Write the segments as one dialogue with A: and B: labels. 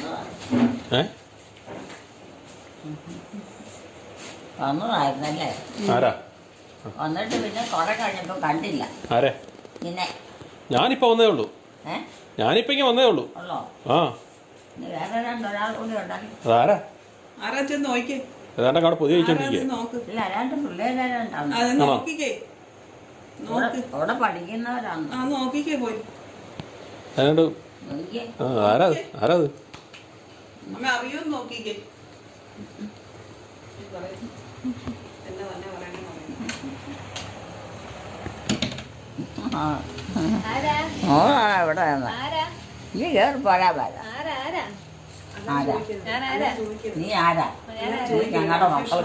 A: വന്നതായിരുന്നല്ലേ?
B: ആരാ
A: വന്നിട്ട് പിന്നെ കുറെ കഴിഞ്ഞപ്പോ കണ്ടില്ല.
B: ആരെ?
A: പിന്നെ
B: ഞാനിപ്പോ വന്നേ ഉള്ളൂ. ഞാനിപ്പോ ഇങ്ങനെ വന്നേ ഉള്ളൂ. ആ
A: വേറെ രണ്ടൊരാൾ കൂടി ഉണ്ടല്ലോ.
B: അതാരാ?
C: ആരാ ചെന്ന് നോക്കിക്കേ.
B: ഏതാണ്ട് അവിടെ പുതിയ ചോദിച്ചോണ്ടിരിക്കുക.
A: ഇല്ല, രണ്ട് പിള്ളേരുണ്ടാവും. അവിടെ പഠിക്കുന്നവരാണ്.
C: നോക്കിക്കേ പോയി.
B: ഏതാണ്ട് ആരാ ആരാ അത്?
C: അമ്മ അറിയൂന്ന് നോക്കിക്കേ.
A: ഇവിടെ നീ കേറി പോരാ വരാ. നീ ആരാ? ഞങ്ങളുടെ മക്കൾ.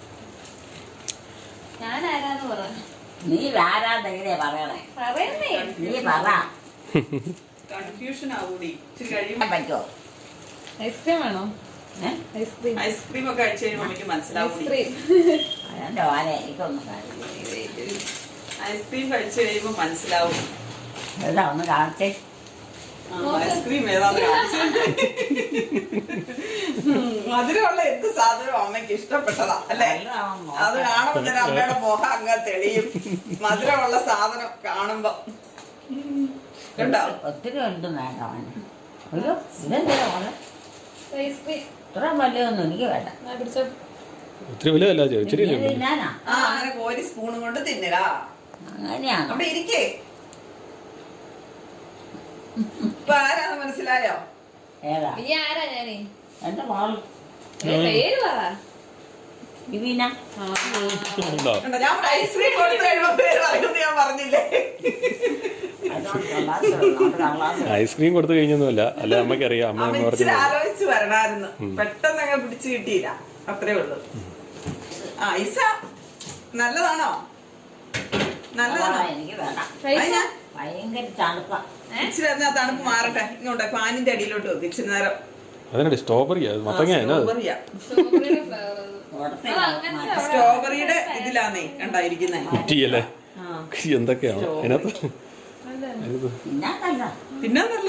A: നീ ആരാന്നെങ്ങനെയാ പറയണേ? നീ പറ.
C: കൺഫ്യൂഷൻ ആവൂടി.
A: പറ്റോ?
D: ഐസ്ക്രീം വേണോ?
C: ഐസ്ക്രീം ഒക്കെ കഴിച്ചു കഴിയുമ്പോൾ എനിക്ക് മനസ്സിലാവും.
A: അതെന്റെ വാല എനിക്കൊന്നും
C: ഐസ്ക്രീം കഴിച്ചു കഴിയുമ്പോ മനസ്സിലാവും.
A: ഏതാ ഒന്ന് കാണിച്ചേ.
C: ഐസ്ക്രീം ഏതാന്ന് കാണിച്ചു. മധുരമുള്ള എന്ത് സാധനവും അമ്മയ്ക്ക് ഇഷ്ടപ്പെട്ടതാ അല്ലേ? അത് കാണുമ്പോ തന്നെ അമ്മയുടെ മുഖം അങ്ങ് തെളിയും. മധുരമുള്ള സാധനം കാണുമ്പോ കണ്ടോ?
A: ഒത്തിരി ഒന്നും വേണ്ട. അയ്യോ ഇതെന്താ മോളെ? ഇത്ര വലിയൊന്നും എനിക്ക് വേണ്ട.
B: ഒത്തിരി വലുതല്ല.
A: തിന്നാനാ?
C: അങ്ങനെ കോരി സ്പൂണും കൊണ്ട് തിന്നലാ.
A: അങ്ങനെയാണ്.
C: അവിടെ ഇരിക്കേ. ഇപ്പൊ ആരാന്ന് മനസ്സിലായോ?
A: ഏതാ? എന്റെ മോള് വിവീന.
C: ഞാൻ ഐസ്ക്രീം കൊടുത്തു കഴിയുമ്പോ പേര് പറയുന്നത് ഞാൻ പറഞ്ഞില്ലേ?
B: ഐസ്ക്രീം കൊടുത്തു കഴിഞ്ഞൊന്നുമല്ല. അല്ല അമ്മയ്ക്ക് അറിയാം. അമ്മ
C: ആലോചിച്ച് വരണായിരുന്നു. പെട്ടെന്ന് അങ്ങ് പിടിച്ചു കിട്ടിയില്ല. അത്രേ ഉള്ളു. ഐസ നല്ലതാണോ? നല്ലതാണോ?
A: എനിക്ക് വേണ്ട. ഭയങ്കര തണുപ്പാ.
C: ഇച്ചിരി എന്നാ തണുപ്പ് മാറട്ടെ. ഇങ്ങോട്ടെ ഫാനിന്റെ അടിയിലോട്ട് വെക്കും ഇച്ചിരി നേരം.
B: അതിനടി സ്ട്രോബെറിയാ?
C: സ്ട്രോബെറിയുടെ ഇതിലാന്നേ കണ്ടായിരിക്കുന്നേ.
B: കുറ്റിയല്ലേ? എന്തൊക്കെയാണോ അതിനകത്ത്?
C: തിന്നാന്നല്ലോ.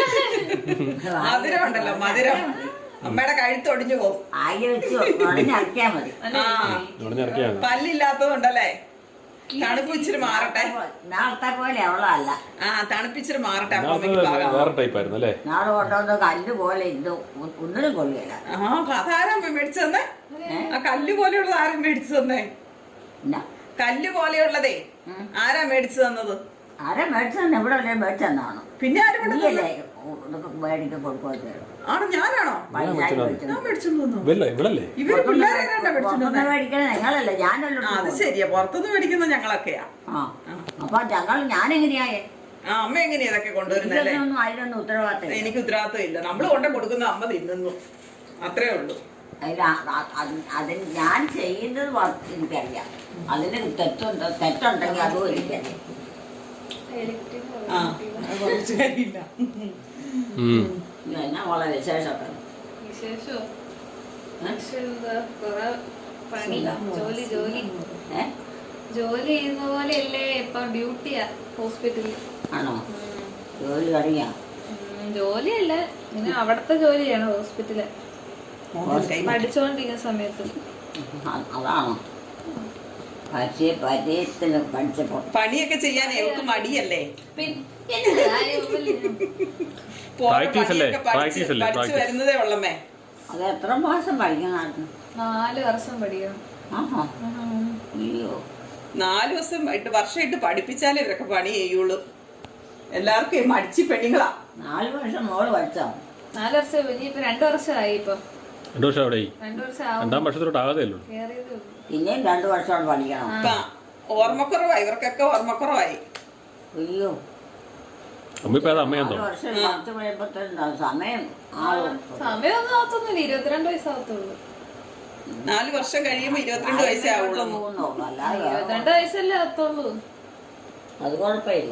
C: മധുരം ഉണ്ടല്ലോ, മധുരം. അമ്മയുടെ കഴുത്തൊടിഞ്ഞു പോകും. പല്ലില്ലാത്തതുണ്ടല്ലേ? തണുപ്പ് ഇച്ചിരി മാറട്ടെ.
A: നാളത്തെ പോലെ അവളല്ല.
C: തണുപ്പിച്ചിരി മാറട്ടെ.
B: വേറെ ടൈപ്പായിരുന്നു അല്ലേ?
A: നാളെ കൊണ്ടുവന്ന കല്ല് പോലെ ഇത് ഒന്നിനും കൊള്ളില്ല.
C: അതാരാ മേടിച്ചു തന്നെ? ആ കല്ല് പോലെയുള്ളത് ആരാ മേടിച്ചു തന്നെ? കല്ല് പോലെയുള്ളതേ ആരാ മേടിച്ചു തന്നത്?
A: ആരാ മേടിച്ചു തന്നെ? ഇവിടെ അല്ലേ മേടിച്ചു തന്നാണോ?
C: പിന്നെ ആരും
A: മേടിക്കാൻ കൊടുക്കുക.
C: ആണോ? ഞാനാണോ? ഞാൻ മേടിച്ചു തന്നു. ഇവര്
A: മേടിക്കണ നിങ്ങളല്ലേ? ഞാനല്ലോ.
C: അത് ശരിയാ, പുറത്തുനിന്ന് മേടിക്കുന്ന ഞങ്ങളൊക്കെയാ.
A: അപ്പൊ ഞാനെങ്ങനെയായേ?
C: അമ്മ എങ്ങനെയാ ഇതൊക്കെ കൊണ്ടുവരുന്നല്ലേ?
A: അതിനൊന്നും ഉത്തരവാദിത്തം.
C: എനിക്ക് ഉത്തരവാദിത്തം ഇല്ല. നമ്മള് കൊണ്ട് കൊടുക്കുന്ന അമ്മ തിന്നുന്നു, അത്രേ ഉള്ളൂ.
A: അതിന് ഞാൻ ചെയ്യുന്നത് എനിക്കറിയാം. അതിന് തെറ്റുണ്ടെങ്കിൽ അതും എനിക്കറിയാം. എന്നാ മോളെ വിശേഷമൊക്കെ?
D: ജോലി ചെയ്യുന്ന പോലെയല്ലേ ഇപ്പൊ? ഡ്യൂട്ടിയാ ഹോസ്പിറ്റലിൽ.
A: ആണോ? ജോലി തുടങ്ങിയ?
D: ജോലിയല്ല, ഇങ്ങനെ അവിടത്തെ ജോലിയാണ് ഹോസ്പിറ്റല്. പഠിച്ചോണ്ടിരിക്കുന്ന സമയത്ത്.
A: അതാണോ? പഠിച്ചപ്പോ
C: പണിയൊക്കെ ചെയ്യാൻ എനിക്ക് മടിയല്ലേ? വരുന്നതേ ഉള്ളമ്മേ.
A: അത് എത്ര മാസം പഠിക്കണം?
D: 4 വർഷം പഠിക്കണം.
C: 4 വർഷമായിട്ട് പഠിപ്പിച്ചാലേ ഇവരൊക്കെ പണി ചെയ്യുള്ളൂ. എല്ലാവർക്കും മടിച്ചു പെണ്ണുങ്ങളാ.
A: 4 വർഷം മോള് പഠിച്ചോ?
D: 4 വർഷം. ഇനിയിപ്പോ 2 വർഷമായി. ഇപ്പൊ
B: 2 വർഷം അവിടെ.
D: 2 വർഷം
B: 2ാം വർഷത്തോട്ട് ആകാതെയുള്ളൂ.
A: പിന്നെയും 2 വർഷം പഠിക്കണം.
C: ഓർമ്മക്കുറവായി ഇവർക്കൊക്കെ, ഓർമ്മക്കുറവായി.
A: അയ്യോ,
B: അമ്മയെന്തോ
A: സമയം
D: സമയമൊന്നും ആവത്തൊന്നുമില്ല. 22 വയസ്സാവത്തുള്ളൂ.
C: 4 വർഷം കഴിയുമ്പോ 22 വയസ്സേ ആവുള്ളൂ.
D: 22 വയസ്സല്ലേ ആവത്തുള്ളൂ.
A: അത് കുഴപ്പമില്ല.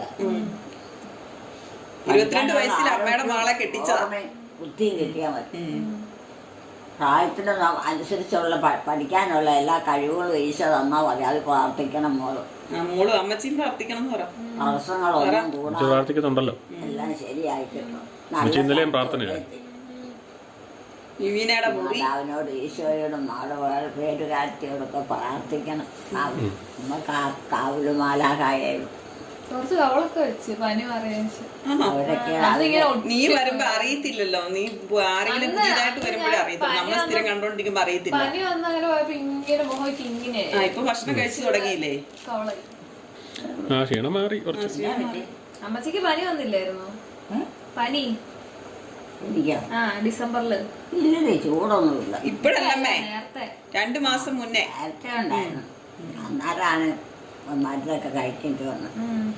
C: 22 വയസ്സിൽ അമ്മയുടെ മകളെ കെട്ടിച്ചതാ.
A: ബുദ്ധിയും കിട്ടിയാൽ മതി. പ്രായത്തിന് അനുസരിച്ചുള്ള പഠിക്കാനുള്ള എല്ലാ കഴിവുകളും ഈശോ തന്നാൽ മതി. അത് പ്രാർത്ഥിക്കണം മോള്.
C: മോളും അമ്മച്ചിയും പ്രാർത്ഥിക്കണം എന്ന് പറയാം.
A: തടസ്സങ്ങളൊന്നും
B: പ്രാർത്ഥിക്കുന്നുണ്ടല്ലോ.
A: എല്ലാം ശരിയായി കിട്ടും.
B: ഇന്നലെയും പ്രാർത്ഥനയായി.
C: വിവീനയുടെ മുറി
A: മാതാവിനോട് ഈശോയോടും നാളെ പേരുകാരത്തിയോടൊക്കെ പ്രാർത്ഥിക്കണം. നമുക്ക് ആ കാവലുമാലാകായാലും
D: കുറച്ച് കവളൊക്കെ വെച്ച് പനി പറയാൻ
A: അവരൊക്കെ
C: നീ വരുമ്പോ അറിയത്തില്ലല്ലോ. നീ ആരെങ്കിലും പുതിയതായിട്ട് വരുമ്പോഴേ അറിയത്തില്ല. നമ്മളെ സ്ഥിരം കണ്ടോണ്ടിരിക്കുമ്പോ അറിയത്തില്ല.
D: പനി വന്ന് അങ്ങനെ പോയപ്പോ ഇങ്ങനെ മുഖമൊക്കെ ഇങ്ങനെ
C: ഇപ്പൊ ഭക്ഷണം കഴിച്ചു തുടങ്ങിയില്ലേ?
D: കവളായി.
B: ആ ക്ഷീണം മാറി കുറച്ച്.
D: അമ്മച്ചിക്ക് പനി വന്നില്ലായിരുന്നോ? പനി
A: ഇരിക്കാം.
D: ഡിസംബറില്
A: ഇല്ലേ, ചൂടൊന്നുമില്ല.
C: ഇപ്പഴല്ലമ്മേ,
D: നേരത്തെ
C: 2 മാസം മുന്നേ.
A: നേരത്തെ ഉണ്ടായിരുന്നു. അന്നേരമാണ് മരുന്നൊക്കെ കഴിക്കേണ്ടി വന്നത്.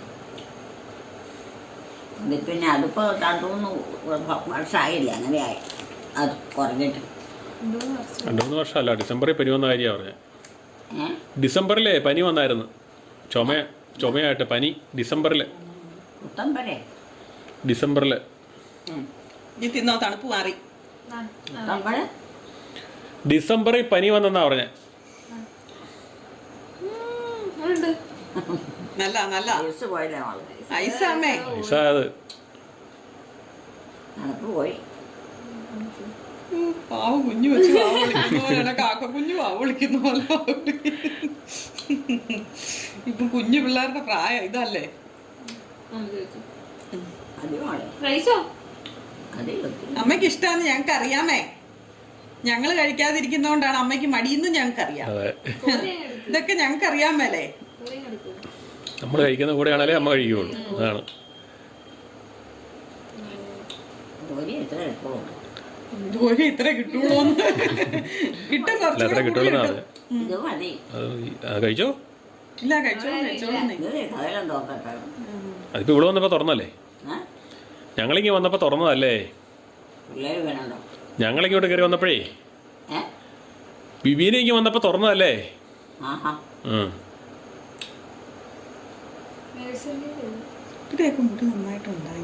A: ഇത് പിന്നെ അതിപ്പോ 2-3 വർഷമായില്ലേ അങ്ങനെയായി അത് കുറഞ്ഞിട്ട്.
B: 2-3 വർഷമല്ല, ഡിസംബറിൽ പനി വന്ന കാര്യമാണ് പറഞ്ഞത്. ഡിസംബറിലെ പനി വന്നായിരുന്നു. ചുമയായിട്ട് പനി ഡിസംബറിൽ. ഡിസംബറിൽ
C: തിന്നോ, തണുപ്പ് മാറി.
B: ഡിസംബറിൽ പനി വന്നെന്നാ പറഞ്ഞേ.
C: നല്ല നല്ല
A: പോയില്ലേ
C: ഐസാമേ.
B: ഐസാത്
A: തണുപ്പ് പോയി.
C: പാവം കുഞ്ഞു വെച്ച് വാ വിളിക്കുന്ന പോലെ, കാക്ക കുഞ്ഞു വാ വിളിക്കുന്ന പോലെ. ഇപ്പൊ കുഞ്ഞു പിള്ളേരുടെ പ്രായം ഇതല്ലേ. അമ്മയ്ക്ക് ഇഷ്ടാന്ന് ഞങ്ങക്ക് അറിയാമേ. ഞങ്ങള് കഴിക്കാതിരിക്കുന്നോണ്ടാണ് അമ്മയ്ക്ക് മടിയെന്നും ഞങ്ങൾക്കറിയാം. ഇതൊക്കെ ഞങ്ങക്ക് അറിയാമല്ലേ.
B: നമ്മൾ കഴിക്കുന്ന കൂടെയാണല്ലേ അമ്മ കഴിക്കുകയുള്ളൂ. അതാണ്.
C: ജോലി ഇത്ര കിട്ടുള്ളൂന്ന്. കിട്ടും,
B: അത്ര കിട്ടുള്ളൂ. കഴിച്ചോ?
C: ഇല്ല, കഴിച്ചോളൂ.
B: അതിപ്പോ ഇവിടെ വന്നപ്പോ തുറന്നല്ലേ? ഞങ്ങളിങ്ങി വന്നപ്പോ തുറന്നതല്ലേ? ഞങ്ങളിങ്ങോട്ട് കയറി വന്നപ്പോഴേ വിവീനയ്ക്ക് വന്നപ്പോ തുറന്നതല്ലേ?
C: ഇവിടെയൊക്കെ മുടി നന്നായിട്ടുണ്ടായി.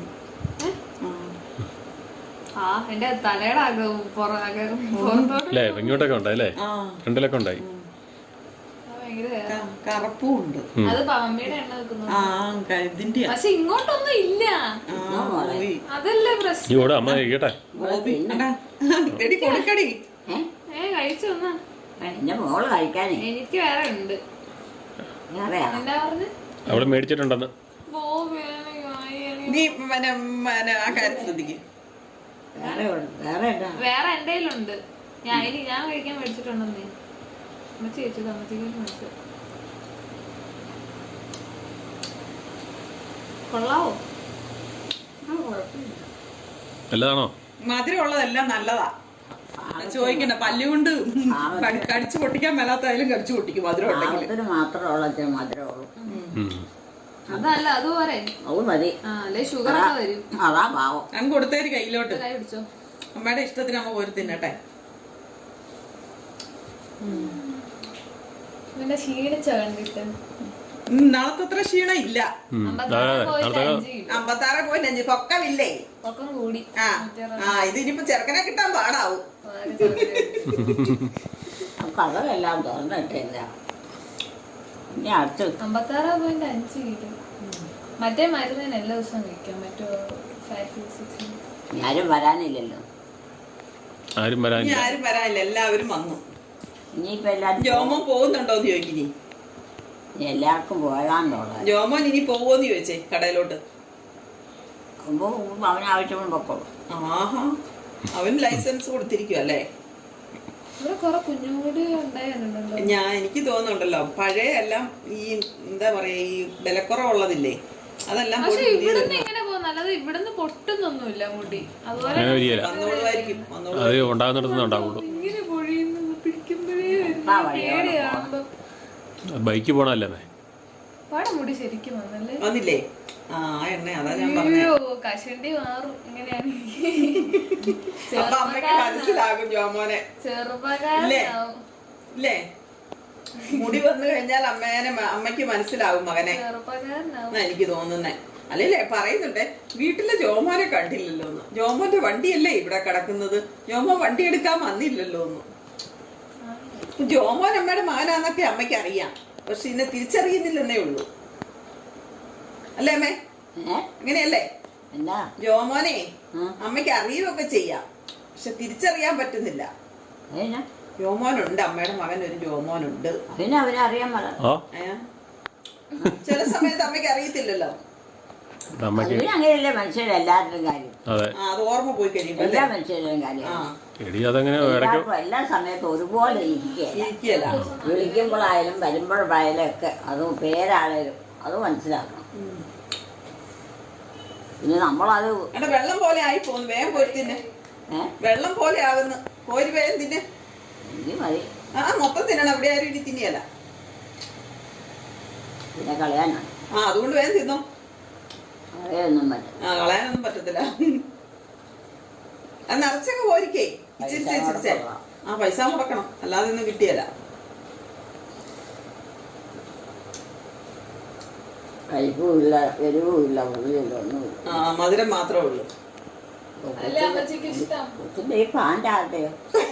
D: എന്റെ തലയുടെ
B: അല്ലേ? ഇങ്ങോട്ടൊക്കെ ഉണ്ടായി അല്ലേ? ഫ്രണ്ടിലൊക്കെ ഉണ്ടായി.
C: കറുപ്പും ഉണ്ട്.
D: അത് അമ്മയുടെ എണ്ണ വെക്കുന്നു. പക്ഷെ ഇങ്ങോട്ടൊന്നും ഇല്ല. അതല്ലേ പ്രശ്നം.
B: ഇവിടെ അമ്മ കഴിക്കട്ടെ.
C: കൊടുക്കടി.
D: കഴിച്ചു വന്നാ
A: മോള് കഴിക്കാനേ.
D: എനിക്ക് വേറെ ഉണ്ട്. എന്താ പറഞ്ഞ്
B: അവിടെ മേടിച്ചിട്ടുണ്ടെന്ന്.
C: നീ ആ കാര്യം ശ്രദ്ധിക്കും.
D: വേറെ എന്റെ കയ്യിലുണ്ട്. ഞാൻ കഴിക്കാൻ മേടിച്ചിട്ടുണ്ടെന്നേ. അമ്മച്ചി ചോദിച്ചത് അമ്മച്ചിക്ക് മേടിച്ചത്. കൊള്ളാവോ?
B: നല്ലതാണോ?
C: മധുരം ഉള്ളതെല്ലാം നല്ലതാ. ചോദിക്കണ്ട. പല്ലുകൊണ്ട് കടിച്ചു പൊട്ടിക്കാൻ മേലാത്തായാലും കടിച്ചു പൊട്ടിക്കും. മധുരം ഉണ്ടെങ്കിൽ
D: അതല്ല അതുപോലെ അല്ലെ ഷുഗർ ഒക്കെ വരും.
C: അങ്ങ് കൊടുത്തേര് കയ്യിലോട്ട്.
D: കൈ പിടിച്ചോ.
C: അമ്മയുടെ ഇഷ്ടത്തിന് അമ്മ പോരി തിന്നട്ടെ.
D: പിന്നെ ക്ഷീണിച്ച കണ്ടിട്ട്
C: നാളത്തെ അത്ര ക്ഷീണം ഇല്ല. 56.5 പൊക്കമില്ലേ?
D: പൊക്കം കൂടി.
C: ഇത് ഇനിയിപ്പോ ചെറുക്കനെ കിട്ടാൻ പാടാവും.
A: കഥകളെല്ലാം തുറന്നിട്ടില്ല.
D: 56.5 കിലോ. മറ്റേ മരുന്നിന് എല്ലാ ദിവസവും കഴിക്കാം. മറ്റോ
A: ആരും വരാനില്ലല്ലോ.
B: ആരും
C: വരാനില്ല. എല്ലാവരും വന്നു.
A: ഇനിയിപ്പോ എല്ലാരും
C: ജോമോൻ പോകുന്നുണ്ടോന്ന് ചോദിക്കിനി.
A: എല്ലാവർക്കും പോകാനുള്ള
C: ജോമോൻ ഇനി പോവോന്ന് ചോദിച്ചേ കടയിലോട്ട്.
A: അവന് ആവശ്യമുള്ള പൊക്കോളൂ.
C: ആഹാ, അവന് ലൈസൻസ് കൊടുത്തിരിക്കും അല്ലേ? എനിക്ക് തോന്നുന്നുണ്ടല്ലോ പഴയ എല്ലാം ഈ എന്താ പറയാ ഈ വിലക്കുറവുള്ളതില്ലേ അതെല്ലാം
D: ഇവിടുന്ന് പൊട്ടുന്നൊന്നുമില്ല മുടി.
B: ബൈക്ക് പോണല്ലേ
D: മുടി ശരിക്കും
C: വന്നില്ലേ? ആ എണ്ണ അതാ ഞാൻ
D: കഷണ്ടി മാറും. ഇങ്ങനെയാണ്
C: മനസ്സിലാകും ജോമോനെ. ഇല്ലേ? മുടി വന്നു കഴിഞ്ഞാൽ അമ്മയ്ക്ക് മനസ്സിലാവും മകനെ എനിക്ക് തോന്നുന്നേ. അല്ലേ പറയുന്നുണ്ടേ വീട്ടിലെ ജോമോനെ കണ്ടില്ലല്ലോ ഒന്ന്. ജോമോന്റെ വണ്ടിയല്ലേ ഇവിടെ കിടക്കുന്നത്? ജോമോൻ വണ്ടി എടുക്കാൻ വന്നില്ലല്ലോ ഒന്ന്. ജോമോൻ അമ്മയുടെ മകനാന്നൊക്കെ അമ്മയ്ക്ക് അറിയാം. പക്ഷെ ഇന്നെ തിരിച്ചറിയുന്നില്ലെന്നേ ഉള്ളൂ. അല്ലേ അമ്മേ? അങ്ങനെയല്ലേ? ജോമോനെ അമ്മയ്ക്ക് അറിയുകയൊക്കെ ചെയ്യാം. പക്ഷെ തിരിച്ചറിയാൻ പറ്റുന്നില്ല.
A: അതിനാ
C: ജോമോനുണ്ട്, അമ്മയുടെ മകൻ ഒരു ജോമോനുണ്ട്.
A: അതിനെ അവനറിയാൻ പറ.
B: ഓ
C: ചില സമയത്ത് അമ്മയ്ക്ക് അറിയത്തില്ലല്ലോ.
B: അമ്മയ്ക്ക്
A: അതിന് അങ്ങനെയല്ലേ മനുഷ്യരെല്ലാവരുടെയും കാര്യം.
B: അതെ.
C: അത് ഓർമ്മ പോയി കഴിയുമ്പോ
A: എല്ലാ മനുഷ്യരുടെയും കാര്യം.
B: എടി അതങ്ങനെ ഇടയ്ക്ക്
A: എല്ലാവർക്കും എല്ലാ സമയത്തും ഒരുപോലെ ഇരിക്കുകയല്ല.
C: ഇരിക്കല.
A: വിളിക്കുമ്പോഴായാലും വരുമ്പോഴായാലും ഒക്കെ അത് പേരാണേലും അത് മനസ്സിലാക്കണം. പിന്നെ നമ്മളത്
C: എടാ വെള്ളം പോലെ ആയി പോന്നു. വേഗം പോയി തിന്നെ. വെള്ളം പോലെ ആകുന്നു. കോരി വേഗം തിന്നെ.
A: എനിക്ക് മതി.
C: മൊത്തം തിന്നണം. അവിടെ ആരും ഇനി തിന്നിയല്ല.
A: പിന്നെ കളയാനാണ്.
C: അതുകൊണ്ട് വേഗം തിന്നോ.
A: കളയൊന്നും പറ്റും.
C: കളയാനൊന്നും പറ്റത്തില്ല. അത് നിറച്ചൊക്കെ പോരിക്കേ. ഇച്ചിരിച്ചേ. പൈസ മുടക്കണം, അല്ലാതെ ഒന്നും കിട്ടിയല്ല.
A: കഴിപ്പുമില്ല, എരിവുമില്ല, പുളിയില്ല, ഒന്നുമില്ല.
C: മധുരം മാത്രമേ ഉള്ളൂ.
D: അല്ലേ അമ്മച്ചിക്ക് ഇഷ്ടം?
A: കൊച്ചിന്റെ ഈ പാൻ്റാകട്ടെയോ?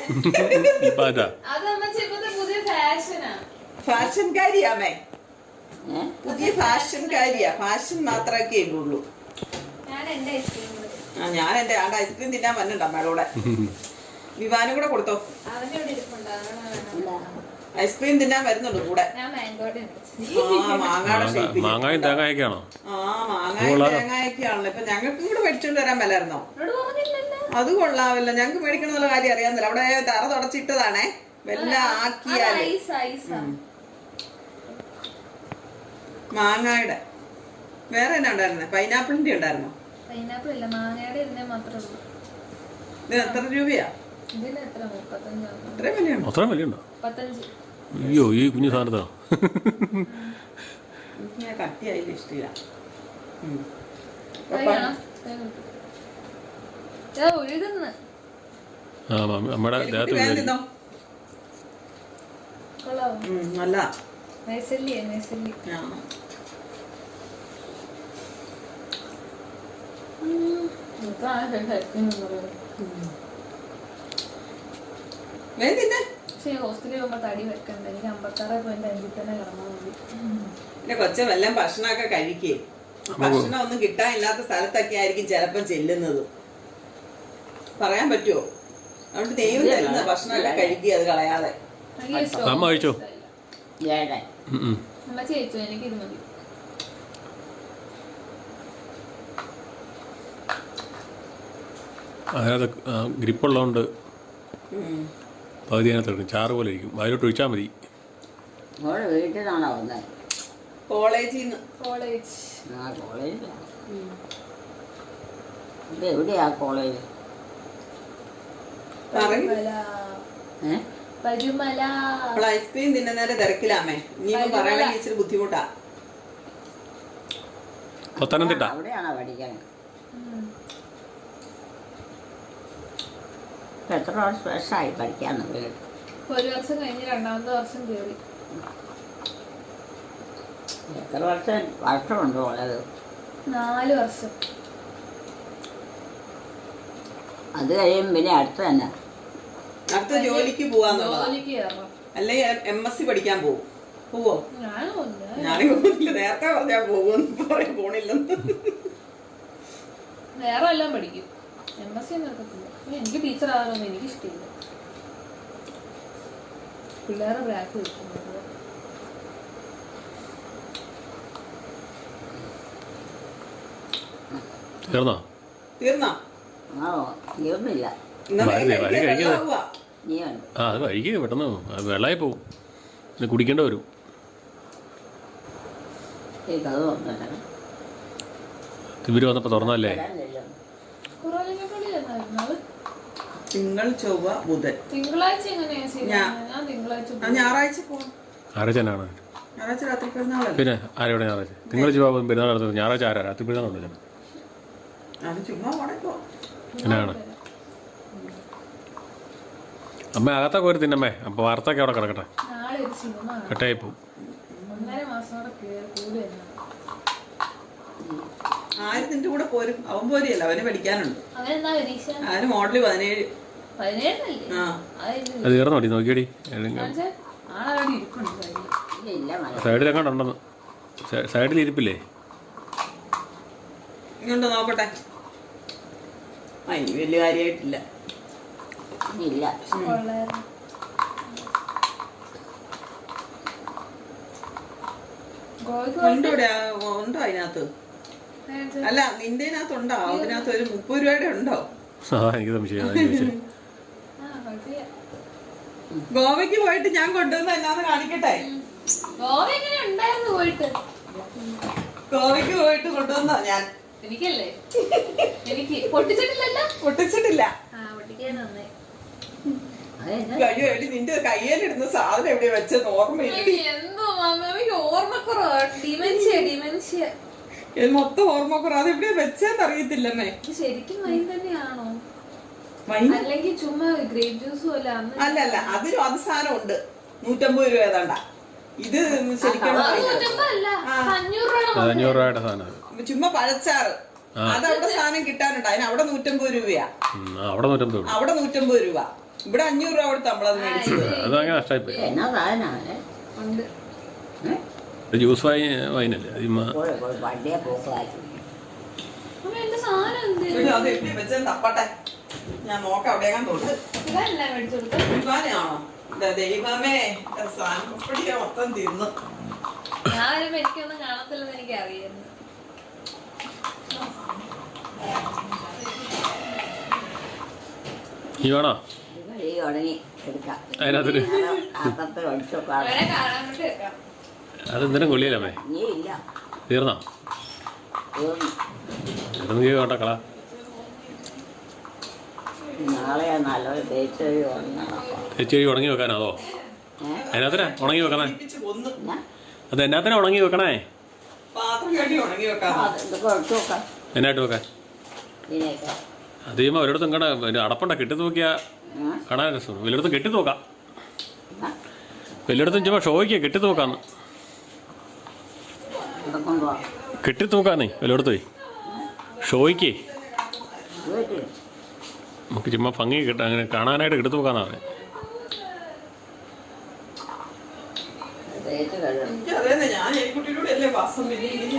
D: അത് അമ്മച്ചി ഇപ്പത്തെ പുതിയ ഫാഷനാ.
C: ഫാഷൻകാരിയാമേ. പുതിയ ഫാഷൻകാരിയാ. ഫാഷൻ മാത്രമേ ഉള്ളൂ.
D: ഞാൻ എന്റെ ഐസ്ക്രീം
C: ഞാൻ എന്റെ ആണ്ട് ഐസ്ക്രീം തിന്നാൻ വന്നിട്ടുണ്ട് അമ്മയുടെ കൂടെ. വിവാനും കൂടെ കൊടുത്തോ.
D: അവനോട് ഇരിപ്പുണ്ടോ?
C: ഐസ്ക്രീം തിന്നാൻ വരുന്നുള്ളൂ കൂടെ.
D: ഞാൻ മാംഗോടെ
C: മാങ്ങാടെ
B: മാങ്ങായും തേങ്ങയൊക്കെയാണോ?
C: മാങ്ങായും തേങ്ങയൊക്കെയാണല്ലോ. ഇപ്പൊ ഞങ്ങൾക്കും കൂടെ മേടിച്ചോണ്ട് വരാൻ മേലായിരുന്നോ? അത് കൊള്ളാവില്ല. ഞങ്ങക്ക് മേടിക്കണമെന്നുള്ള കാര്യം അറിയാന്നില്ല. അവിടെ തറ തുടച്ചിട്ടതാണേ. വെല്ല ആക്കിയാല് മാങ്ങായുടെ വേറെ എന്നാ ഉണ്ടായിരുന്നെ? പൈനാപ്പിളിന്റെ ഉണ്ടായിരുന്നോ?
D: പൈനാപ്പിൾ ഇല്ല, മാങ്ങയുടെ ഇതിനെ മാത്രമേ ഉള്ളൂ.
C: ഇത് എത്ര രൂപയാ?
D: ഇതിന് എത്ര? 35.
C: അത്രയും വിലയുണ്ടോ?
B: അത്രയും വിലയുണ്ടോ?
D: 35.
B: അയ്യോ, ഈ കുഞ്ഞു സാധനത്താ.
C: എനിക്ക് കട്ടിയായില്ല, ഇഷ്ടമില്ല.
D: ഒഴുകുന്നു.
B: നമ്മുടെ ദേഹത്ത്
C: തിന്നോ.
D: കൊള്ളാവോ?
C: നല്ല
D: നൈസല്ലി. പക്ഷെ ഹോസ്റ്റലിൽ പോകുമ്പോ തടി വെക്കണ്ട. എനിക്ക് 56.5 തന്നെ കിടന്നാൽ മതി.
C: എന്റെ കൊച്ചൻ വല്ലതും ഭക്ഷണമൊക്കെ കഴിക്കേ. ഭക്ഷണം ഒന്നും കിട്ടാനില്ലാത്ത സ്ഥലത്തൊക്കെ ആയിരിക്കും ചിലപ്പം ചെല്ലുന്നത്. പറയാൻ പറ്റുമോ? അതുകൊണ്ട് ദൈവം തരുന്ന ഭക്ഷണമൊക്കെ കഴിക്കുക, അത് കളയാതെ.
B: അമ്മ കഴിച്ചോ?
D: അമ്മ ചേച്ചു, എനിക്ക് ഇത് മതി.
B: അതിനകത്ത് ഗ്രിപ്പുള്ളതുകൊണ്ട് പകുതി അതിനകത്ത് എടുക്കും. ചാറ് പോലെ ഇരിക്കും. അതിലോട്ട് ഒഴിച്ചാൽ മതി.
A: വീട്ടിൽ നിന്നാണോ വന്നത്?
C: കോളേജിൽ നിന്ന്.
D: കോളേജ്.
A: കോളേജിലാണ്. ഇത് എവിടെയാ കോളേജ്?
D: പരുമല.
C: അപ്പോൾ ഐസ്ക്രീം തിന്നുന്നേരം തിരക്കിലാമേ. ഇനിയിപ്പോ പറയണമെങ്കിൽ ഇച്ചിരി ബുദ്ധിമുട്ടാ.
B: പത്തനംതിട്ട.
A: അവിടെയാണോ പഠിക്കണേ? എത്ര വർഷമായി പഠിക്കാന്ന്?
D: 1 വർഷം കഴിഞ്ഞ് 2ാമത്തെ വർഷം കയറി.
A: എത്ര വർഷമുണ്ടോ ഉള്ളത്?
D: 4 വർഷം.
A: അത് കഴിയും പിന്നെ അടുത്ത് തന്നെ
C: അടുത്ത ജോലിക്ക് പോവാന്നുള്ളതാ.
D: ജോലിക്ക് കയറണം.
C: അല്ലെങ്കിൽ MSc പഠിക്കാൻ പോവോ?
D: ഞാനും
C: പോകുന്നില്ല. നേരത്തെ പറഞ്ഞാ പോകുമെന്ന് പറയാൻ പോണില്ലെന്ന്.
D: വേറെ എല്ലാം പഠിക്കും. MSc നടക്കത്തില്ല. എനിക്ക് ടീച്ചർ ആകാനൊന്നും എനിക്ക് ഇഷ്ടമില്ല. പിള്ളേരെ ബ്രാക്ക് വെക്കുന്നത്
B: തീർന്നോ?
A: തീർന്നില്ല.
B: അത് വഴിക്ക് പെട്ടെന്ന് വെള്ളമായി പോവും. പിന്നെ കുടിക്കേണ്ട വരും. ഇവര് വന്നപ്പോ തുറന്നല്ലേ?
C: തിങ്കൾ ചൊവ്വ ബുധൻ.
D: തിങ്കളാഴ്ച എങ്ങനെയാ?
C: ഞായറാഴ്ച പോവാം.
B: ഞായറാഴ്ച തന്നെയാണ്.
C: ഞായറാഴ്ച രാത്രി പെരുന്നാളല്ലേ?
B: പിന്നെ ആരോടെ ഞായറാഴ്ച? തിങ്കൾ ചൊവ്വ പെരുന്നാൾ നടത്തുന്നത്. ഞായറാഴ്ച ആരാ? രാത്രി പെരുന്നാളുണ്ട്.
C: ചുമ്മാ
B: എന്നാണ് അമ്മ അകത്തൊക്കെ ഒരു തിന്നമ്മേ. അപ്പൊ വാർത്തൊക്കെ അവിടെ കിടക്കട്ടെ. കട്ടായി പോവും.
C: ആര് നിന്റെ കൂടെ പോരും? അവൻ പോരിയല്ല, അവന് പഠിക്കാനുണ്ട്. അവന് മോഡല് 17.
B: അത് തീർന്നോടി? നോക്കിയടി സൈഡിലെങ്ങാണ്ട് ഉണ്ടെന്ന്. സൈഡിൽ ഇരിപ്പില്ലേ?
C: ഇങ്ങോട്ട് നോക്കട്ടെ. ഇനി വലിയ കാര്യമായിട്ടില്ല.
A: ഇല്ല.
D: കൊള്ളായിരുന്നു. ഗോവയ്ക്ക്
C: ഉണ്ടോ ഇവിടെ? ഉണ്ടോ അതിനകത്ത്? അല്ല നിന്റെ അതിനകത്ത് ഉണ്ടോ? അതിനകത്ത് ഒരു 30 രൂപയുടെ ഉണ്ടോ?
B: എനിക്ക് സംശയം അതാ ചോദിച്ചത്.
D: കുഴപ്പമില്ല.
C: ഗോവയ്ക്ക് പോയിട്ട് ഞാൻ കൊണ്ടുവന്ന എന്നാന്ന് കാണിക്കട്ടെ.
D: ഗോവ എങ്ങനെ ഉണ്ടായിരുന്നു പോയിട്ട്?
C: ഗോവയ്ക്ക് പോയിട്ട് കൊണ്ടുവന്നോ ഞാൻ?
D: എനിക്കല്ലേ? എനിക്ക് പൊട്ടിച്ചിട്ടില്ലല്ലോ?
C: പൊട്ടിച്ചിട്ടില്ല.
D: പൊട്ടിക്കാൻ നന്നായി.
C: അയ്യോ എടി നിന്റെ കയ്യിലിടുന്ന സാധനം എവിടെ വെച്ചെന്ന് ഓർമ്മയില്ല.
D: എന്തോ എനിക്ക് ഓർമ്മക്കുറവാ. ഡിമെൻഷ്യ.
C: ഇത് മൊത്തം ഓർമ്മക്കുറവ്. അത് എവിടെ വെച്ചെന്ന് അറിയത്തില്ലമ്മേ.
D: ശരിക്കും വൈൻ തന്നെയാണോ?
C: വൈൻ
D: അല്ലെങ്കിൽ ചുമ്മാ ഗ്രേപ്പ് ജ്യൂസ് പോലെ?
C: അല്ലല്ല, അതിനും അത് സാധനം ഉണ്ട്. 150 രൂപ ഏതാണ്ട. ഇത് ശരിക്കും
B: 500 രൂപയുടെ സാധനം.
C: ചുമ്മാ പഴച്ചാറ്. അതവിടെ സാധനം കിട്ടാനുണ്ട്. അതിന് അവിടെ 150 രൂപയാ.
B: അവിടെ 150.
C: അവിടെ 150 രൂപ. ഇവിടെ 500 രൂപ കൊടുത്ത് നമ്മളത് മേടിച്ചത്.
B: അതങ്ങനെ നഷ്ടമായി.
A: എന്നാ സാധനമാണ്?
D: ഉണ്ട്.
B: ജ്യൂസ് വൈനല്ലേ?
A: വണ്ടിയെ പോക്കാക്കി.
D: എന്റെ സാധനം എന്ത്?
C: അത് എവിടെ വെച്ചാൽ തപ്പട്ടെ, ഞാൻ നോക്കാം. അവിടെയാകാൻ തോന്നുന്നു.
D: ഇതല്ല മേടിച്ചു കൊടുത്തത്.
C: ദൈവമാണോ? ദൈവമേ, സാധനപ്പടിയാ മൊത്തം തിന്നു.
D: ഞാൻ വരുമ്പോ എനിക്കൊന്നും കാണത്തില്ലെന്ന് എനിക്ക് അറിയായിരുന്നു.
B: ഈ വേണോ?
A: ഉടങ്ങി എടുക്കാം.
B: അതിനകത്തൊരു
D: അവരെ കാണാൻ വേണ്ടി വെക്കാം.
B: അതെന്തിനും കൊള്ളിയല്ലേ?
A: നീ ഇല്ല.
B: തീർന്നോ? അത് നീ കേട്ടോ കള.
A: നാളെ നല്ലൊരു തേച്ച്
B: തേച്ച് ഉണങ്ങി വെക്കാനോ? അതോ അതിനകത്തിനാ ഉണങ്ങി വെക്കണേ?
C: കൊന്നു.
B: അത് എന്നാത്തിനാ ഉണങ്ങി വെക്കണേ?
C: പാത്രം കെട്ടി ഉണങ്ങി വെക്കാം.
A: കൊടുത്തു നോക്കാം.
B: എന്നായിട്ട് വെക്കാൻ?
A: ഇതിനൊക്കെ
B: അത് ചെയ്യുമ്പോൾ ഒരിടത്തും കട അടപ്പുണ്ട കെട്ടി തൂക്കിയാ കാണാൻ രസം. വലിയിടത്തും കെട്ടി തൂക്കാം. വലിയിടത്തും ചുമ്മാ ഷോയ്ക്ക് കെട്ടി തൂക്കാന്ന്. കെട്ടി തൂക്കാന്നേ വലിയിടത്ത് ഷോയ്ക്ക് നമുക്ക് ചുമ്മാ ഭംഗി കിട്ടാൻ അങ്ങനെ കാണാനായിട്ട് കെട്ടി തൂക്കാന്നാ പറഞ്ഞത്.
C: എനിക്ക് അതേന്നെ, ഞാൻ ഈ കുട്ടിയിലൂടെ അല്ലേ വാസം പിന്നെ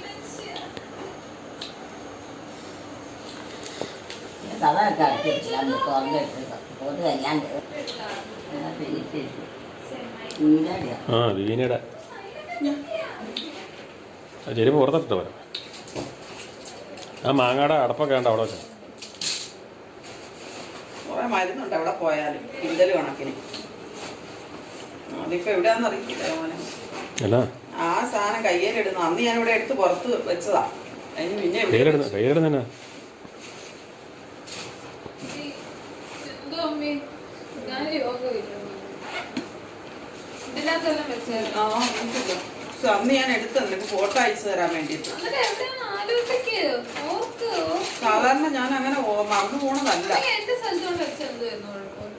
A: കഥയൊക്കെ അടച്ചിട്ടില്ല. തുറന്നിട്ടില്ല.
B: ദീനയുടെ ചെരുപ്പ് പുറത്തിട്ട് വരാം. ആ മാങ്ങാടെ അടപ്പൊക്കെ ഉണ്ട് അവിടെ വെച്ചാൽ.
C: കുറെ മരുന്നുണ്ട് അവിടെ പോയാലും കിണ്ടല് കണക്കിന്. അതിപ്പോ എവിടെയാന്ന് അറിയില്ല മോനെ.
B: അല്ല
C: ആ സാധനം കയ്യിലിടുന്നു. അന്ന് ഞാൻ ഇവിടെ എടുത്ത് പുറത്ത് വെച്ചതാ. അതിന് പിന്നെ
B: കയ്യിലിടുന്ന
D: എന്തോ അമ്മേ, ഞാൻ യോഗമില്ല. ഇതിനകത്തെല്ലാം വെച്ചായിരുന്നു.
C: അന്ന് ഞാൻ എടുത്തു നിനക്ക് ഫോട്ടോ അയച്ചു തരാൻ വേണ്ടിട്ട്. സാധാരണ ഞാൻ അങ്ങനെ മറന്നു പോണതല്ല.
D: എന്റെ സ്ഥലത്തോണ്ട് വെച്ചെന്തായിരുന്നു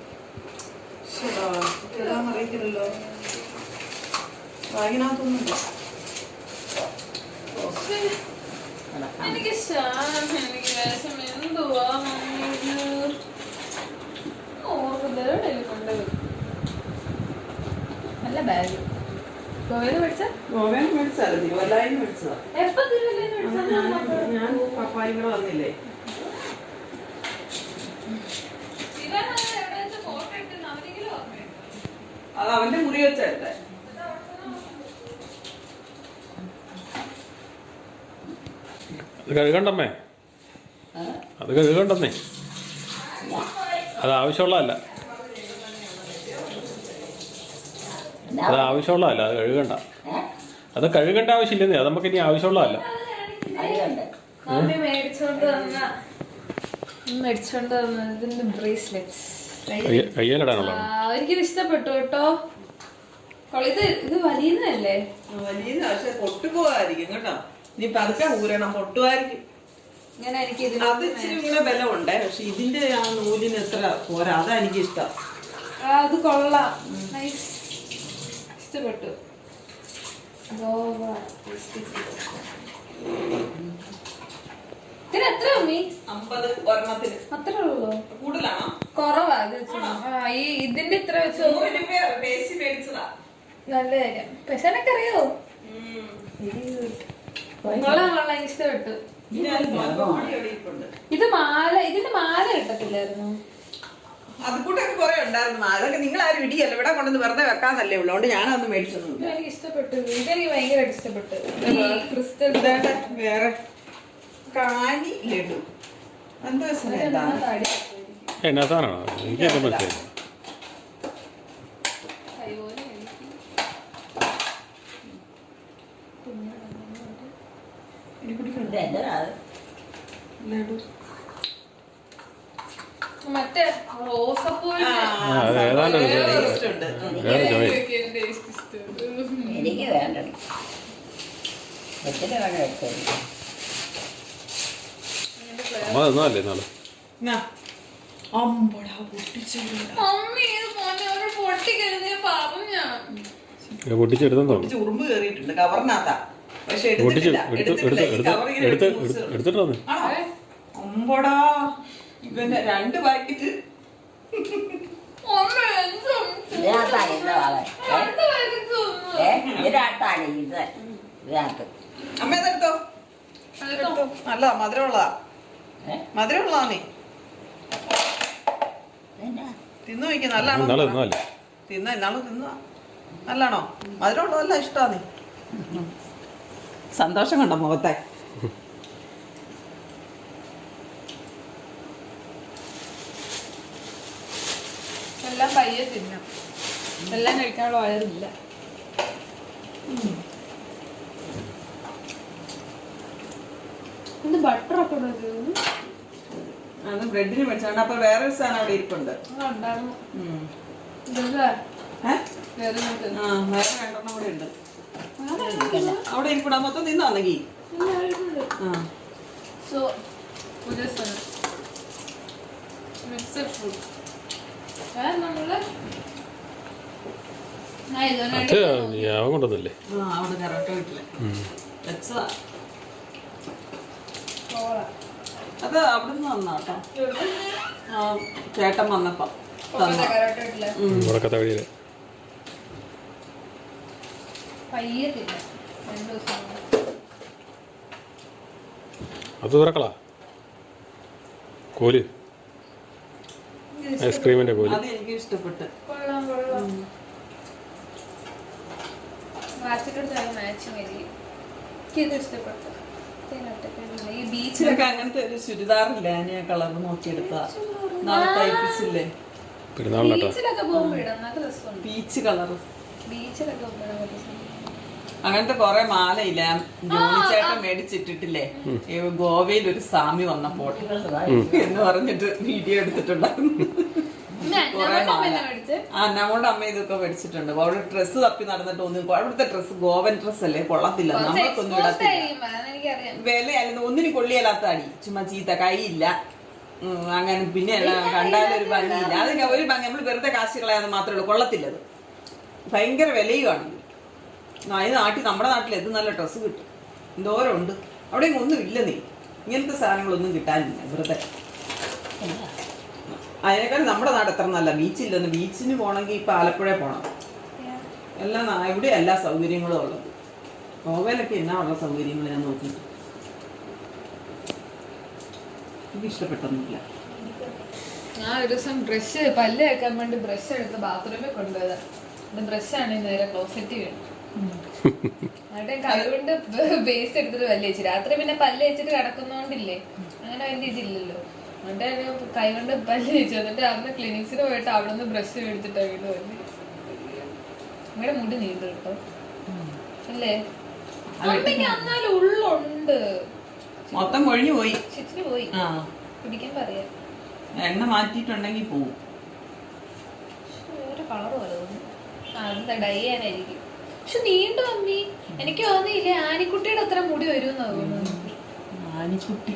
C: അറിയിക്കില്ലല്ലോ. ബാഗിനകത്തൊന്നുമില്ല.
D: എനിക്ക് എനിക്ക് വിഷം എന്തുവാ കൊണ്ടുപോയി. നല്ല ബാഗ്. ഗോവയില് മേടിച്ച?
C: ഗോവയിൽ മേടിച്ചല്ല, തിരുവല്ലായിൽ മേടിച്ചതാ.
D: എപ്പോ തിരുവല്ലയിൽ മേടിച്ച?
C: ഞാൻ പപ്പായും കൂടെ വന്നില്ലേ. അത് അവന്റെ മുറി വെച്ചല്ലേ.
B: അത് കഴുകണ്ടമ്മേ, അത് കഴുകണ്ടെന്നേ. അത് ആവശ്യമുള്ളതല്ല, അത് ആവശ്യമുള്ളതല്ല. അത് കഴുകണ്ട, അത് കഴുകേണ്ട ആവശ്യമില്ലെന്നേ. അത് നമുക്ക് ഇനി ആവശ്യമുള്ളതല്ല.
D: മേടിച്ചോണ്ട് വന്ന ഇതിന്റെ ബ്രേസ്ലെറ്റ്സ്
B: കയ്യിലിടാനുള്ള.
D: എനിക്കിത് ഇഷ്ടപ്പെട്ടു കേട്ടോ. ഇത് വലിയതല്ലേ?
C: വലിയ പക്ഷെ പൊട്ടുപോകാതിരിക്കും കേട്ടോ. നീ പതുക്കെ ഊരണം, പൊട്ടുമായിരിക്കും.
D: ഇങ്ങനെ എനിക്ക്
C: അത് ഇച്ചിരി കൂടെ ബലമുണ്ടേ. പക്ഷെ ഇതിന്റെ ആ നൂലിന് എത്ര പോരാ. അതാ എനിക്ക് ഇഷ്ടം.
D: അത് കൊള്ളാം, നൈസ്, ഇഷ്ടപ്പെട്ടു. ഇതിന് എത്ര അമ്മി?
C: 50 ഒരെണ്ണത്തിന്.
D: അത്രേ ഉള്ളൂ?
C: കൂടുതലാണോ?
D: കുറവാ. ഈ ഇതിന്റെ ഇത്ര വെച്ച്
C: 100 രൂപ ബേസി മേടിച്ചതാ.
D: നല്ല കാര്യം. പക്ഷെ എനക്ക് അറിയോ, കൊള്ളാം കൊള്ളാം, ഇഷ്ടപ്പെട്ടു.
C: ഇത് മാല,
D: ഇത് മാല, ഇതിന്റെ മാല കിട്ടത്തില്ലായിരുന്നു?
C: അത് കൂട്ടൊക്കെ കുറെ ഉണ്ടായിരുന്നു. അതൊക്കെ നിങ്ങൾ ആരും ഇടിയല്ല, ഇവിടെ കൊണ്ടുവന്ന് വെറുതെ വെക്കാന്നല്ലേ ഉള്ളൂ. അതുകൊണ്ട് ഞാനൊന്നും മേടിച്ചൊന്നുമില്ല.
D: എനിക്ക് ഇഷ്ടപ്പെട്ടു, ഇതെനിക്ക് ഭയങ്കരമായിട്ട് ഇഷ്ടപ്പെട്ടു. ക്രിസ്റ്റൽ
C: വേറെ കാനി ലഡു എന്താ
B: എന്നാ സാധനമാണോ എനിക്ക് എന്താ മനസ്സിലായി?
C: ലഡു
D: മറ്റേ റോസപ്പൂവിന്റെ
B: അത് ഏതാണ്ട് ഒരു
C: ഉണ്ട്.
B: വേറെ ചോയ്.
A: എനിക്ക് വേണ്ടടി എത്ര വേണം വെച്ചത്
B: അമ്മ തന്നല്ലേ നാളെ
C: എന്നാ? അമ്പടാ പൊട്ടിച്ചെടുത്ത
D: മമ്മി ഇത് മോനെ പൊട്ടിക്കരുതേ പാപം ഞാൻ.
B: പൊട്ടിച്ചെടുത്തെന്ന് തോന്നുന്നു.
C: ഉറുമ്പ് കയറിയിട്ടുണ്ട് കവറിനകത്താ. പക്ഷെ
B: പൊട്ടിച്ച്
C: എടുത്തിട്ടില്ല.
B: എടുത്തിട്ടോന്ന്
C: അമ്പടാ ഇവന്റെ 2 പാക്കറ്റ്.
A: ഇതിനകത്താണ് ഇന്ന് വളെ ഇതിനകത്താണ് ഇത് ഇതിനകത്ത്
C: അമ്മ ഇതെടുത്തോ. നല്ലതാ, മധുരമുള്ളതാ. മധുരമുള്ളതാ. നീ തിന്നു നോക്കി നല്ലതാണോ?
B: നല്ലതല്ലേ
C: ഇന്നാള് തിന്നുവാ. നല്ലാണോ? മധുരമുള്ളതല്ല ഇഷ്ടാ. നീ സന്തോഷം കണ്ടോ മുഖത്തെ?
D: എല്ലാം പയ്യെ തിന്നാം, എല്ലാം കഴിക്കാനുള്ള വയറില്ല. ഇത് ബട്ടറൊക്കെ
C: അത് ബ്രെഡിന് മേടിച്ചാണ്. അപ്പൊ വേറൊരു സാധനം അവിടെ ഇരിപ്പുണ്ട്. വേറെ 2 കൂടെ ഉണ്ട് അവിടെ ഇരിപ്പുണ്ട്. മൊത്തം തിന്നാന്നെങ്കിൽ
D: മിക്സഡ് ഫ്രൂട്ട് നമ്മള്
B: അത് ഞാൻ കൊണ്ടുവന്നല്ലേ.
C: അവിടെ കറക്റ്റ് വീട്ടില് വെച്ചതാ. അത് അവിടുന്ന് വന്നാട്ടോ. ചേട്ടൻ വന്നപ്പോ
B: ഉറക്കത്തെ വഴിയില്
D: പയ്യെ തിന്നാം 2 ദിവസം.
B: അത് തുറക്കളാ കോല്, ഐസ്ക്രീമിന്റെ കോല്.
C: അത് എനിക്ക് ഇഷ്ടപ്പെട്ട്.
D: കൊള്ളാം കൊള്ളാം. വാച്ചിട്ടെടുത്ത് മാച്ചിങ് ആയിരിക്കും. എനിക്കിത് ഇഷ്ടപ്പെട്ടു. ഈ
C: ബീച്ചിലൊക്കെ അങ്ങനത്തെ ഒരു ചുരിദാറില്ല, ഞാൻ കളർ നോക്കിയെടുത്താ. തയ്പ്പിച്ചില്ലേ
D: ബീച്ചിലൊക്കെ പോകുമ്പോ ഇടാം, നല്ല രസമുണ്ട്.
C: Peach colour.
D: ബീച്ചിലൊക്കെ പോകുമ്പോ
C: അങ്ങനത്തെ കൊറേ മാലയില്ല ജോണിച്ചേട്ടൻ മേടിച്ചിട്ടിട്ടില്ലേ? ഗോവയിൽ ഒരു സ്വാമി വന്നപ്പോൾ എന്ന് പറഞ്ഞിട്ട് വീഡിയോ എടുത്തിട്ടുണ്ടായിരുന്നു. കൊറേ മാല. നമ്മുടെ അമ്മ ഇതൊക്കെ മേടിച്ചിട്ടുണ്ട്. അവിടെ ഡ്രസ്സ് തപ്പി നടന്നിട്ട് ഒന്നും അവിടുത്തെ ഡ്രസ്സ് ഗോവൻ ഡ്രസ് അല്ലേ, കൊള്ളത്തില്ല. നമ്മൾക്കൊന്നും ഇടത്തില്ല. വിലയല്ല, ഒന്നിനും കൊള്ളിയല്ലാത്ത അടി. ചുമ്മാ ചീത്ത കൈയില്ല അങ്ങനെ. പിന്നെ കണ്ടാലും ഒരു ഭംഗിയില്ല. അതിന് ഒരു ഭംഗി നമ്മൾ വെറുതെ കാശ് കളയാന്ന് മാത്രമേ ഉള്ളൂ. കൊള്ളത്തില്ലത്, ഭയങ്കര വിലയുമാണ്. ഈ നാട്ടിൽ നമ്മുടെ നാട്ടിൽ എന്ത് നല്ല ഡ്രസ്സ് കിട്ടും, എന്തോരം ഉണ്ട്. അവിടെ ഒന്നും ഇല്ല. നീ ഇങ്ങനത്തെ സാധനങ്ങളൊന്നും കിട്ടാനില്ല വെറുതെ. അതിനേക്കാൾ നമ്മുടെ നാട് എത്ര നല്ല. ബീച്ചില്ലെന്ന്. ബീച്ചിന് പോകണമെങ്കിൽ ഇപ്പം ആലപ്പുഴ പോകണം. എല്ലാം ഇവിടെ എല്ലാ സൗകര്യങ്ങളും ഉള്ളത്. ഗോവയിലൊക്കെ എന്നാ ഉള്ള സൗകര്യങ്ങൾ ഞാൻ നോക്കിയിട്ട് എനിക്ക് ഇഷ്ടപ്പെട്ടൊന്നുമില്ല.
D: ഞാൻ ഒരു ദിവസം ബ്രഷ് പല്ല് വെക്കാൻ വേണ്ടി ബ്രഷ് എടുത്ത് ബാത്റൂമിൽ കൊണ്ടുപോയതാ. ബ്രഷാണ് നേരെ ക്ലോസറ്റ് വീണു. എന്നിട്ട് കൈകൊണ്ട് ബേസ് എടുത്തിട്ട് പല്ല് വെച്ചു. രാത്രി പിന്നെ പല്ല് വെച്ചിട്ട് കിടക്കുന്നോണ്ടില്ലേ അങ്ങനെ വലിയ ഇതില്ലല്ലോ. എന്നിട്ട് കൈകൊണ്ട് പല്ല് വെച്ചു. എന്നിട്ട് അന്ന് ക്ലിനിക്സിന് പോയിട്ട് അവിടെ നിന്ന് ബ്രഷ് എടുത്തിട്ട് വീട് പല്ല്. ഇവിടെ മുടി നീണ്ടു കേട്ടോ അല്ലേ? അമ്മയ്ക്ക് എന്നാലും ഉള്ളുണ്ട്,
C: മൊത്തം കൊഴിഞ്ഞു പോയി.
D: ചിച്ചിന് പോയി പിടിക്കാൻ പറയാ.
C: എണ്ണ മാറ്റിയിട്ടുണ്ടെങ്കിൽ പോവും.
D: വേറെ കളർ പോലെ തോന്നുന്നു. അതെന്താ ഡൈ ചെയ്യാനായിരിക്കും. പക്ഷെ നീണ്ടു അമ്മി. എനിക്ക് തോന്നിയില്ലേ ആനിക്കുട്ടിയുടെ അത്ര മുടി വരുമെന്നാ തോന്നുന്നു.
C: ആനിക്കുട്ടി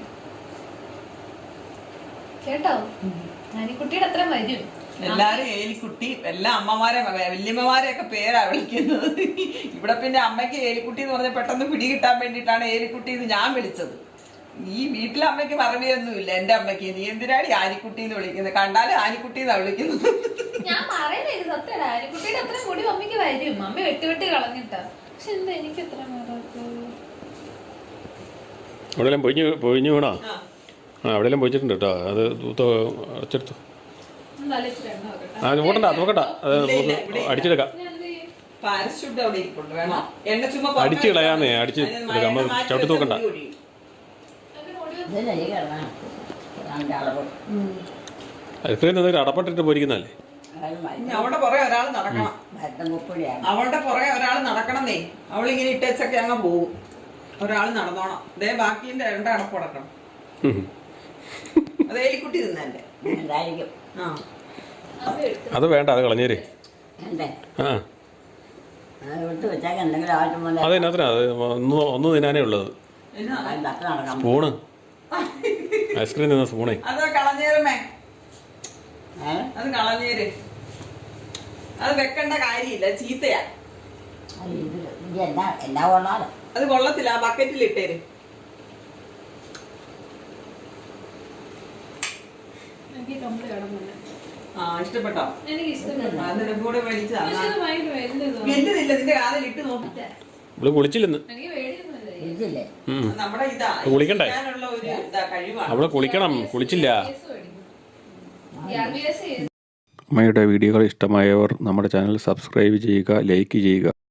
D: കേട്ടോ, ആനിക്കുട്ടിയുടെ അത്ര വരും.
C: എല്ലാരും ഏലിക്കുട്ടി, എല്ലാ അമ്മമാരെ വല്യമ്മമാരെയൊക്കെ പേരാ വിളിക്കുന്നത്. ഇവിടെ പിന്നെ അമ്മയ്ക്ക് ഏലിക്കുട്ടി എന്ന് പറഞ്ഞാൽ പെട്ടെന്ന് പിടി കിട്ടാൻ വേണ്ടിയിട്ടാണ് ഏലിക്കുട്ടി എന്ന് ഞാൻ വിളിച്ചത്. ഈ വീട്ടിലെ അമ്മയ്ക്ക് മറവിയൊന്നുമില്ല. എന്റെ അമ്മയ്ക്ക് നീ എന്തിനാണ് ആനിക്കുട്ടി എന്ന് വിളിക്കുന്നത്? കണ്ടാലും ആനിക്കുട്ടി എന്നാ വിളിക്കുന്നത്.
D: ഞാൻ പറയുന്നത് സത്യം, ആനിക്കുട്ടിയുടെ അത്ര മുടി അമ്മയ്ക്ക് വരും. അമ്മ വെട്ടി വെട്ടി കളഞ്ഞിട്ടാ. പക്ഷെ എന്താ എനിക്ക് എത്ര
B: അവിടെല്ലാം പൊഴിഞ്ഞു വീണോ? ആ അവിടെയെല്ലാം പൊഴിച്ചിട്ടുണ്ട് കേട്ടോ. അത് അടച്ചെടുത്തു. ആ നോക്കണ്ട നോക്കണ്ട അത് നമുക്ക് അടിച്ചെടുക്കാം.
C: പാരഷൂട്ട് അവിടെ ഇരിപ്പുണ്ട്, വേണോ? എണ്ണ ചുമ്മാ
B: അടിച്ച് കളയാന്നേ, അടിച്ച് എടുക്കാം. നമ്മൾ ചവിട്ടി നോക്കണ്ട.
A: ഇതല്ലേ ഈ കിടക്കണം അതിൻ്റെ അളവ്
B: ഐസ്ക്രീം എന്തെങ്കിലും അടപ്പട്ടിട്ട് പോയിരിക്കുന്നതല്ലേ?
C: ഇനി അവിടെ പുറകെ ഒരാൾ നടക്കണം,
A: മരുന്നും കുപ്പിടിയാണ്.
C: അവളുടെ പുറകെ ഒരാൾ നടക്കണമെന്നേ. അവളിങ്ങനെ ഇട്ടേച്ചൊക്കെ അങ്ങ് പോകും. ഒരാൾ നടന്നോണം. അതേ ബാക്കിന്റെ രണ്ട് അടപ്പ് അടക്കണം. അത് എലിക്കുട്ടി തിന്നെ.
A: എന്തായിരിക്കും
C: ആ
B: അത് വേണ്ട, അത് കളഞ്ഞേര്.
A: എന്തേ
B: ആ
A: അത് വിട്ട് വെച്ചാൽ എന്തെങ്കിലും ആവശ്യം പോലെ
B: അതെന്നാത്തിനാ? അത് ഒന്ന് തിന്നാനേ ഉള്ളത്.
C: എന്നാ
A: തട്ട് നടക്കാം.
B: സ്പൂണ്, ഐസ്ക്രീം തിന്ന സ്പൂണേ.
C: അത് കളഞ്ഞേരമേ,
A: അത്
C: അത് കളഞ്ഞേര്. അത് വെക്കേണ്ട കാര്യമില്ല, ചീത്തയാ.
A: ഇത് എന്നാ കൊള്ളാലോ.
C: അത് കൊള്ളത്തില്ല, ആ ബക്കറ്റിൽ ഇട്ടേര്. ആ ഇഷ്ടപ്പെട്ടോ? അതിന്റെ കൂടെ മേടിച്ചതാ. വലുതില്ല, നിന്റെ കാതിൽ ഇട്ട് നോക്കി.
B: ഇവിടെ കുളിച്ചില്ലെന്ന്.
A: ഇതില്ലേ
C: നമ്മുടെ ഇതാ
B: കുളിക്കണ്ടേ?
C: ചെയ്യാനുള്ള ഒരു ഇതാ കഴിവാണ്.
B: അവള് കുളിക്കണം, കുളിച്ചില്ല. അമ്മയുടെ വീഡിയോകൾ ഇഷ്ടമായവർ നമ്മുടെ ചാനൽ സബ്സ്ക്രൈബ് ചെയ്യുക, ലൈക്ക് ചെയ്യുക.